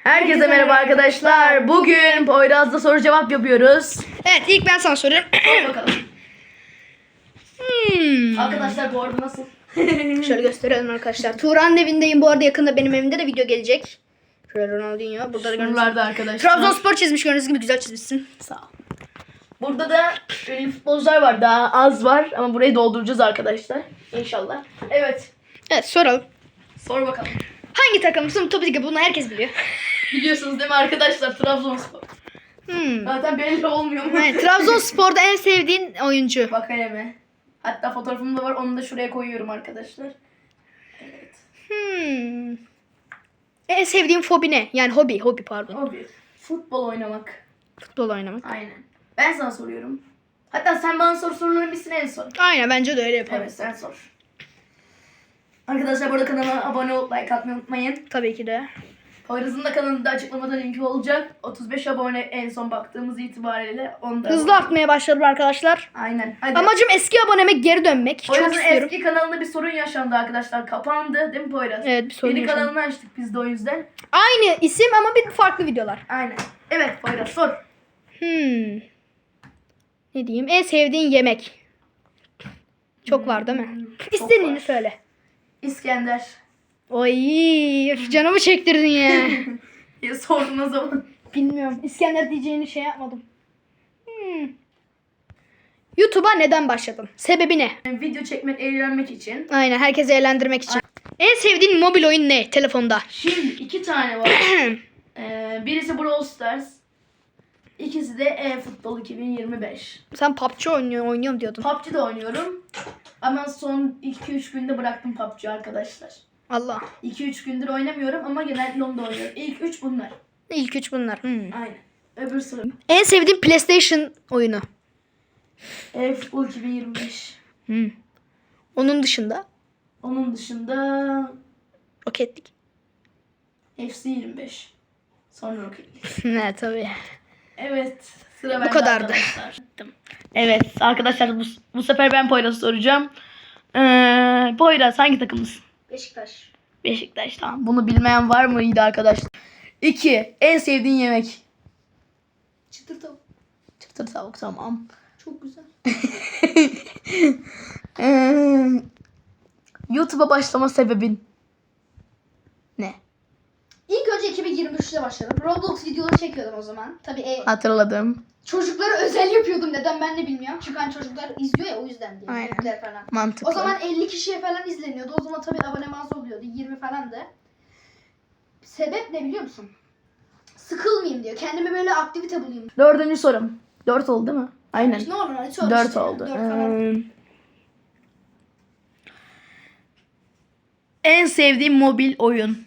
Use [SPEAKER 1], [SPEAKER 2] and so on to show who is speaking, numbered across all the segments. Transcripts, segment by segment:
[SPEAKER 1] Herkese merhaba arkadaşlar. Bugün Poyraz'da soru cevap yapıyoruz.
[SPEAKER 2] Evet, ilk ben sana soruyorum.
[SPEAKER 1] Hadi bakalım. Arkadaşlar bu arada nasıl?
[SPEAKER 2] Şöyle gösterelim arkadaşlar. Tuğra'nın evindeyim. Bu arada yakında benim evimde de video gelecek. Şöyle Ronaldinho. Burada da gördüğünüz
[SPEAKER 1] Şuralarda arkadaşlar.
[SPEAKER 2] Trabzonspor çizmiş, gördüğünüz gibi güzel çizmişsin.
[SPEAKER 1] Sağ ol. Burada da ünlü futbolcular var. Daha az var ama burayı dolduracağız arkadaşlar. İnşallah. Evet.
[SPEAKER 2] Evet, soralım.
[SPEAKER 1] Sor bakalım.
[SPEAKER 2] Hangi takımsın? Tabii ki bunu herkes biliyor.
[SPEAKER 1] Biliyorsunuz değil mi arkadaşlar? Trabzonspor. Zaten belli olmuyor mu?
[SPEAKER 2] Evet, Trabzonspor'da en sevdiğin oyuncu.
[SPEAKER 1] Bakayım. Hatta fotoğrafım da var. Onu da şuraya koyuyorum arkadaşlar. Evet.
[SPEAKER 2] En sevdiğin fobi ne? Yani hobi pardon.
[SPEAKER 1] Hobi. Futbol oynamak.
[SPEAKER 2] Futbol oynamak.
[SPEAKER 1] Aynen. Ben sana soruyorum. Hatta sen bana soruların bitsin en son.
[SPEAKER 2] Aynen, bence de öyle yapalım.
[SPEAKER 1] Evet, sen sor. Arkadaşlar bu arada kanalıma abone olup like atmayı unutmayın.
[SPEAKER 2] Tabii ki de.
[SPEAKER 1] Poyraz'ın da kanalında açıklamada linki olacak. 35 abone en son baktığımız itibariyle. Onda
[SPEAKER 2] Hızlı artmaya başladım arkadaşlar.
[SPEAKER 1] Aynen. Hadi.
[SPEAKER 2] Amacım eski aboneme geri dönmek. Çok
[SPEAKER 1] Poyraz'ın
[SPEAKER 2] istiyorum.
[SPEAKER 1] eski kanalında bir sorun yaşandı arkadaşlar. Kapandı değil mi Poyraz?
[SPEAKER 2] Evet, bir sorun
[SPEAKER 1] Yeni
[SPEAKER 2] yaşandı.
[SPEAKER 1] kanalını açtık biz de o yüzden.
[SPEAKER 2] Aynı isim ama bir farklı videolar.
[SPEAKER 1] Aynen. Evet Poyraz sor.
[SPEAKER 2] Ne diyeyim? En sevdiğin yemek. Çok var değil mi? İstediğini
[SPEAKER 1] var.
[SPEAKER 2] söyle.
[SPEAKER 1] İskender.
[SPEAKER 2] Oy, canımı çektirdin ya.
[SPEAKER 1] Ya sordum o zaman.
[SPEAKER 2] Bilmiyorum. İskender diyeceğini şey yapmadım. YouTube'a neden başladın? Sebebi ne?
[SPEAKER 1] Video çekmek, eğlenmek için.
[SPEAKER 2] Aynen, herkesi eğlendirmek için. En sevdiğin mobil oyun ne? Telefonda.
[SPEAKER 1] Şimdi 2 tane var. Birisi Brawl Stars. İkisi de eFootball 2025.
[SPEAKER 2] Sen PUBG oynuyorum diyordun.
[SPEAKER 1] PUBG'de oynuyorum. Ama son 2-3 günde bıraktım PUBG arkadaşlar.
[SPEAKER 2] Allah.
[SPEAKER 1] 2-3 gündür oynamıyorum ama genellikle onda oynuyorum. İlk 3 bunlar.
[SPEAKER 2] İlk üç bunlar.
[SPEAKER 1] Aynen. Öbür sıra.
[SPEAKER 2] En sevdiğin PlayStation oyunu.
[SPEAKER 1] eFootball 2025.
[SPEAKER 2] Onun dışında.
[SPEAKER 1] Onun dışında
[SPEAKER 2] Rocket
[SPEAKER 1] FC 25. Sonra Rocket League.
[SPEAKER 2] Ne tabii.
[SPEAKER 1] Evet. Sıra
[SPEAKER 2] Bu
[SPEAKER 1] bende
[SPEAKER 2] kadardı.
[SPEAKER 1] arkadaşlar. Evet arkadaşlar bu sefer ben Poyraz'ı soracağım. Poyraz hangi takımlısın?
[SPEAKER 2] Beşiktaş.
[SPEAKER 1] Beşiktaş, tamam. Bunu bilmeyen var mıydı arkadaşlar? 2. En sevdiğin yemek?
[SPEAKER 2] Çıtır tavuk.
[SPEAKER 1] Çıtır tavuk, tamam.
[SPEAKER 2] Çok güzel.
[SPEAKER 1] YouTube'a başlama sebebin ne?
[SPEAKER 2] İlk önce 2023'te başladım. Roblox videoları çekiyordum o zaman. Tabii
[SPEAKER 1] Hatırladım.
[SPEAKER 2] çocuklara özel yapıyordum. Neden ben de bilmiyorum. Çünkü hani çocuklar izliyor ya, o yüzden diye.
[SPEAKER 1] Aynen.
[SPEAKER 2] Büyükler falan.
[SPEAKER 1] Mantıklı.
[SPEAKER 2] O zaman 50 kişiye falan izleniyordu. O zaman tabii abonem az oluyordu. 20 falan da. Sebep ne biliyor musun? Sıkılmayayım diyor. Kendime böyle aktivite bulayım.
[SPEAKER 1] 4. sorum. 4 oldu değil mi? Aynen.
[SPEAKER 2] Ne olur hani söyle
[SPEAKER 1] 4
[SPEAKER 2] işte.
[SPEAKER 1] oldu.
[SPEAKER 2] 4 falan.
[SPEAKER 1] En sevdiğim mobil oyun.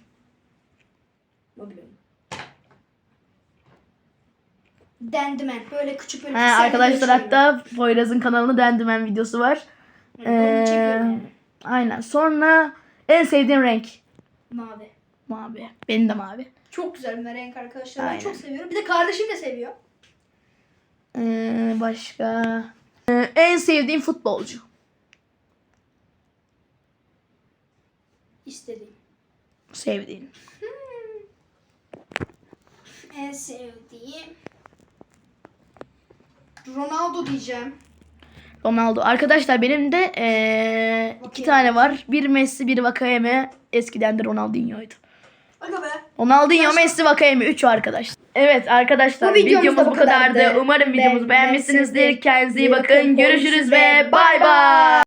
[SPEAKER 2] Dendimen. Böyle küçük böyle.
[SPEAKER 1] Arkadaşlar hatta Poyraz'ın kanalında Dendimen videosu var.
[SPEAKER 2] Onu çekiyorum yani.
[SPEAKER 1] Aynen. Sonra en sevdiğin renk.
[SPEAKER 2] Mavi.
[SPEAKER 1] Mavi. Benim de mavi.
[SPEAKER 2] Çok güzel bir renk arkadaşlar. Ben
[SPEAKER 1] Aynen.
[SPEAKER 2] çok seviyorum. Bir de kardeşim de seviyor.
[SPEAKER 1] Başka. En sevdiğin futbolcu.
[SPEAKER 2] İstediğim.
[SPEAKER 1] Sevdiğin.
[SPEAKER 2] En sevdiğim Ronaldo diyeceğim.
[SPEAKER 1] Ronaldo. Arkadaşlar benim de 2 tane var. Bir Messi, bir Vakayeme. Eskiden de Ronaldinho'ydu.
[SPEAKER 2] Aga be.
[SPEAKER 1] Ronaldinho, Messi, Vakayeme 3 arkadaş. Evet arkadaşlar
[SPEAKER 2] Bu videomuz
[SPEAKER 1] videomuz
[SPEAKER 2] da
[SPEAKER 1] bu
[SPEAKER 2] bu
[SPEAKER 1] kadardı.
[SPEAKER 2] kadardı.
[SPEAKER 1] Umarım videomuzu beğenmişsinizdir.
[SPEAKER 2] Beğenmişsinizdir.
[SPEAKER 1] Kendinize iyi bakın. Görüşürüz ve bay bay.